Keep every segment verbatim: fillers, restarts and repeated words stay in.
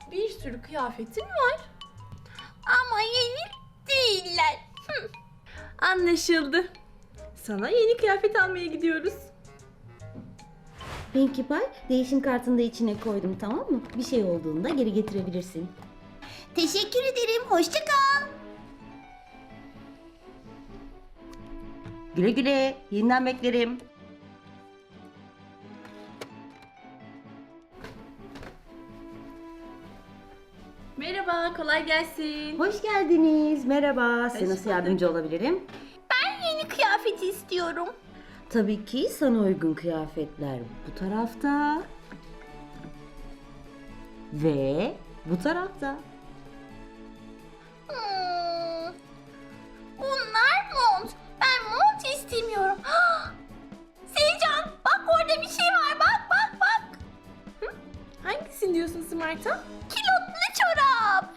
bir sürü kıyafetin var. Ama yeni değiller. Hı. Anlaşıldı. Sana yeni kıyafet almaya gidiyoruz. Pinkie Pie, değişim kartını da içine koydum, tamam mı? Bir şey olduğunda geri getirebilirsin. Teşekkür ederim. Hoşça kal. Güle güle, yeniden beklerim. Merhaba, kolay gelsin. Hoş geldiniz, merhaba. Size Hoş nasıl bulduk. yardımcı olabilirim? Ben yeni kıyafeti istiyorum. Tabii ki sana uygun kıyafetler bu tarafta. Ve bu tarafta. Hmm. Bunlar mont. Ben mont istemiyorum. Sevcan, bak orada bir şey var. Bak bak bak. Hangisini diyorsun Smart'a? Kilotlu çorap.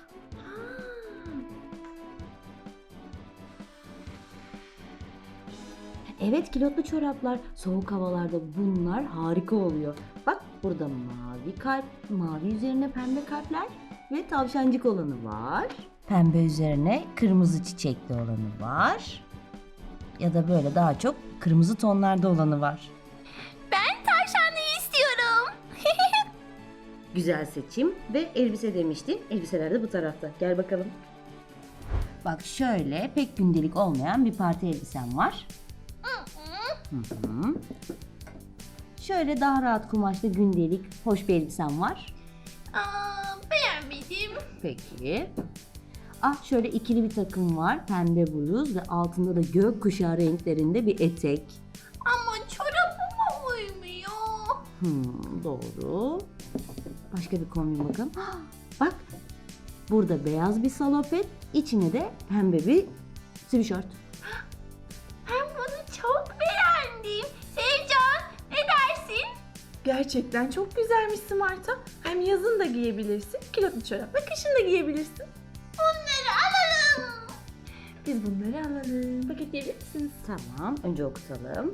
Evet, kilotlu çoraplar. Soğuk havalarda bunlar harika oluyor. Bak burada mavi kalp, mavi üzerine pembe kalpler ve tavşancık olanı var. Pembe üzerine kırmızı çiçekli olanı var. Ya da böyle daha çok kırmızı tonlarda olanı var. Ben tavşanlıyı istiyorum. Güzel seçim ve elbise demiştin. Elbiseler de bu tarafta. Gel bakalım. Bak şöyle pek gündelik olmayan bir parti elbisem var. Hı hı. Şöyle daha rahat kumaşlı gündelik hoş bir elbisem var. Aa, beğenmedim. Peki. Ah şöyle ikili bir takım var. Pembe bluz ve altında da gökkuşağı renklerinde bir etek. Ama çorabıma uymuyor. Hmm, doğru. Başka bir kombin bakalım. Ah, bak burada beyaz bir salopet, içine de pembe bir sweatshirt. Ben bunu çok beğendim. Sevcan, ne dersin? Gerçekten çok güzelmiş Smart'a. Hem yazın da giyebilirsin, kilotlu çorapla kışın da giyebilirsin. Bunları alalım. Biz bunları alalım. Paketleyebilir misiniz? Tamam, önce okutalım.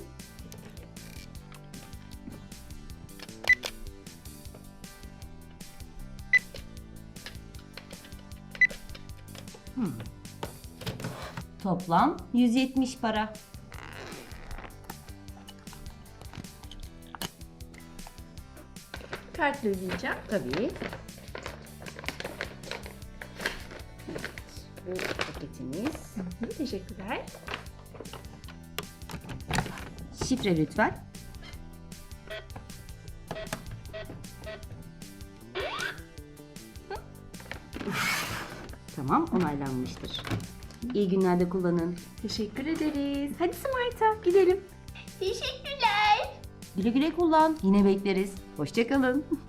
Hmm. Toplam yüz yetmiş para. Kartla ödeyeceğim. Tabii. Bu paketimiz. Hı, teşekkürler. Şifre lütfen. Tamam, onaylanmıştır. İyi günlerde kullanın. Teşekkür ederiz. Hadi Smart'a gidelim. Teşekkürler. Güle güle kullan. Yine bekleriz. Hoşça kalın.